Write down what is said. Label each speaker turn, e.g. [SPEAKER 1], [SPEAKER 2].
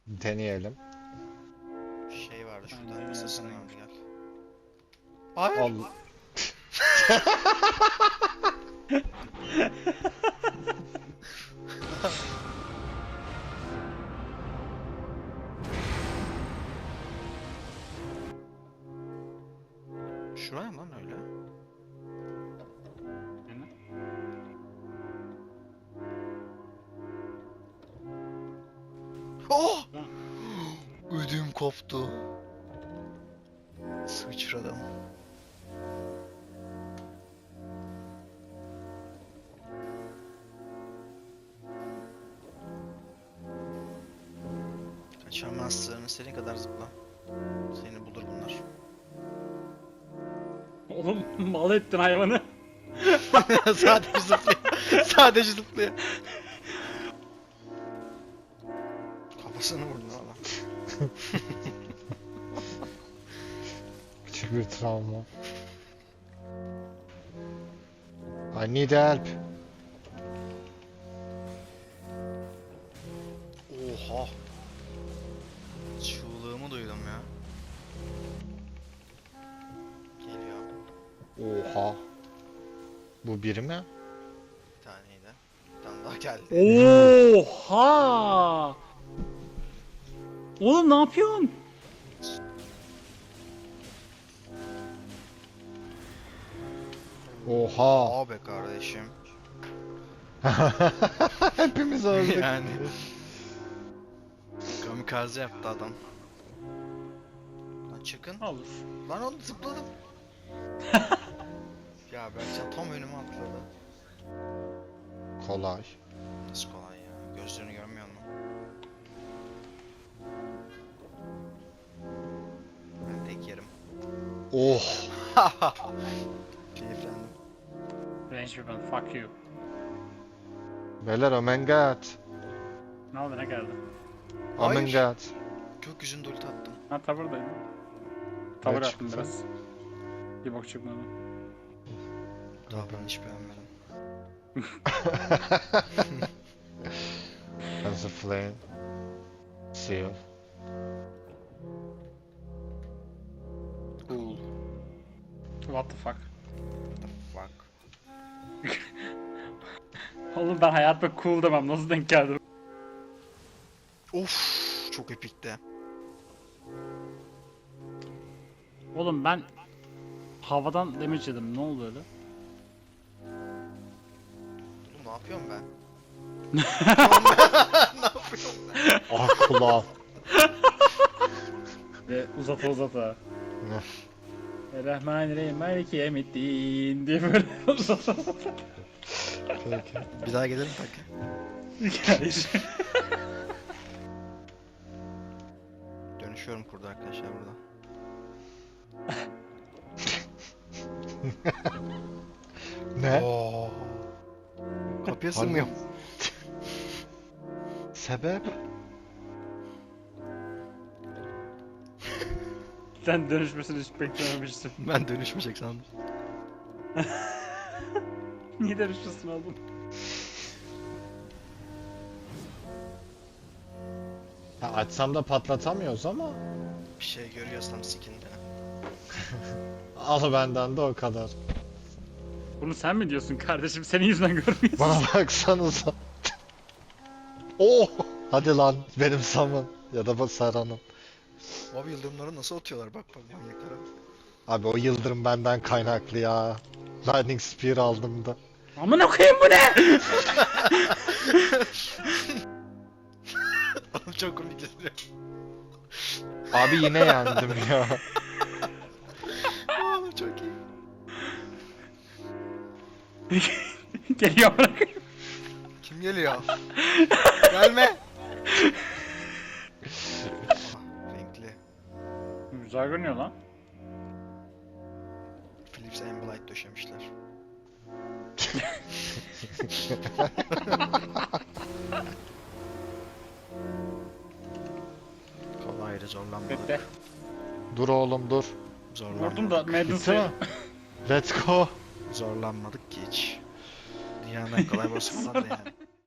[SPEAKER 1] Deneyelim.
[SPEAKER 2] Şey vardı şurada.
[SPEAKER 3] Aynen,
[SPEAKER 2] Masasının
[SPEAKER 3] aynen.
[SPEAKER 2] vardı gel. Hayır.
[SPEAKER 1] Allah.
[SPEAKER 2] Şuraya mı lan öyle?
[SPEAKER 3] Aynen.
[SPEAKER 2] Oh!
[SPEAKER 3] Lan.
[SPEAKER 2] Ödüm koptu. Sıçradım. Kaçamazsın. Senin kadar zıpla. Seni bulur bunlar.
[SPEAKER 3] Oğlum mal ettin hayvanı.
[SPEAKER 2] Sadece zıplıyor. Sadece zıplıyor. Kafasını vurdun valla.
[SPEAKER 1] Küçük bir travma. I need help.
[SPEAKER 2] Oha. Çığlığımı duydum ya. Geliyor.
[SPEAKER 1] Oha. Bu biri mi?
[SPEAKER 2] Bir taneydi. Bir tane daha geldi.
[SPEAKER 3] Oha! Oğlum ne yapıyorsun?
[SPEAKER 1] Oha.
[SPEAKER 2] Aa be kardeşim.
[SPEAKER 1] Hepimiz öldük.
[SPEAKER 2] Yani. Kamikaze yaptı adam. Lan çıkın.
[SPEAKER 3] Olur.
[SPEAKER 2] Lan oğlum zıpladım. Ya Berkcan tam önüme atladı.
[SPEAKER 1] Kolay.
[SPEAKER 2] Nasıl kolay ya? Gözlerini görmüyor musun? Ben tek yerim.
[SPEAKER 1] Oh.
[SPEAKER 2] Keyiflendim.
[SPEAKER 3] Range weapon fuck you.
[SPEAKER 1] Beyler oh my god.
[SPEAKER 3] Ne oldu ne geldi?
[SPEAKER 1] Oh my
[SPEAKER 2] Hayır.
[SPEAKER 1] god.
[SPEAKER 2] Gökyüzünde ulti attım.
[SPEAKER 3] Ha tavırdayım. Tavır
[SPEAKER 1] Ne
[SPEAKER 3] attım
[SPEAKER 1] çıktı?
[SPEAKER 3] biraz. Bir bok çıkmadı.
[SPEAKER 2] Tavrını hiç beğenmedim.
[SPEAKER 1] As a flame. Seal.
[SPEAKER 3] Cool. What the fuck?
[SPEAKER 2] The fuck?
[SPEAKER 3] Oğlum ben hayatta cool demem. Nasıl denk geldi?
[SPEAKER 2] Of, çok epikti.
[SPEAKER 3] Oğlum ben havadan damage yedim. Ne oldu öyle?
[SPEAKER 2] Oğlum ne yapıyorum ben?
[SPEAKER 1] Ah kulağım.
[SPEAKER 3] Ve uzata uzata. Rahmanirrahim Maliki Yevmiddin diye böyle uzata uzata.
[SPEAKER 1] Peki.
[SPEAKER 2] Bir daha gelelim tak.
[SPEAKER 3] Hayır.
[SPEAKER 2] Dönüşüyorum kurdu arkadaşlar burada.
[SPEAKER 1] Ne?
[SPEAKER 2] Oo. Kapıya sığmıyorum.
[SPEAKER 1] Sebep?
[SPEAKER 3] Sen dönüşmesini hiç beklememiştim.
[SPEAKER 2] Ben dönüşmeyecek sandım.
[SPEAKER 3] Niye dönüşmesini aldın?
[SPEAKER 1] Ya açsam da patlatamıyoruz ama.
[SPEAKER 2] Bir şey görüyorsam sikinde.
[SPEAKER 1] Al benden de o kadar.
[SPEAKER 3] Bunu sen mi diyorsun kardeşim? Senin yüzünden görmüyorsun.
[SPEAKER 1] Bana baksanıza. Oh! Hadi lan benim Sam'ın ya da Serhan'ın.
[SPEAKER 2] Abi yıldırımları nasıl atıyorlar bak bak manyaklara.
[SPEAKER 1] Abi o yıldırım benden kaynaklı ya. Lightning Spear aldım da.
[SPEAKER 3] Amına koyayım bu ne?
[SPEAKER 2] Oğlum çok komik geliyor.
[SPEAKER 1] Abi yine yendim ya.
[SPEAKER 2] Oğlum çok iyi.
[SPEAKER 3] Geliyor amına koyayım.
[SPEAKER 2] Kim geliyor? Gelme. Aha, renkli.
[SPEAKER 3] Güzel görünüyor lan.
[SPEAKER 2] Philips Ambilight döşemişler. Kolaydı zorlanmadık.
[SPEAKER 3] Bekle.
[SPEAKER 1] Dur oğlum dur.
[SPEAKER 2] Zorlanmadık.
[SPEAKER 3] Vurdum da Madden
[SPEAKER 1] Bitti
[SPEAKER 3] sayı.
[SPEAKER 1] mi? Let's go.
[SPEAKER 2] Zorlanmadık ki hiç. Dünyanın en kolay boss'u falan da yani.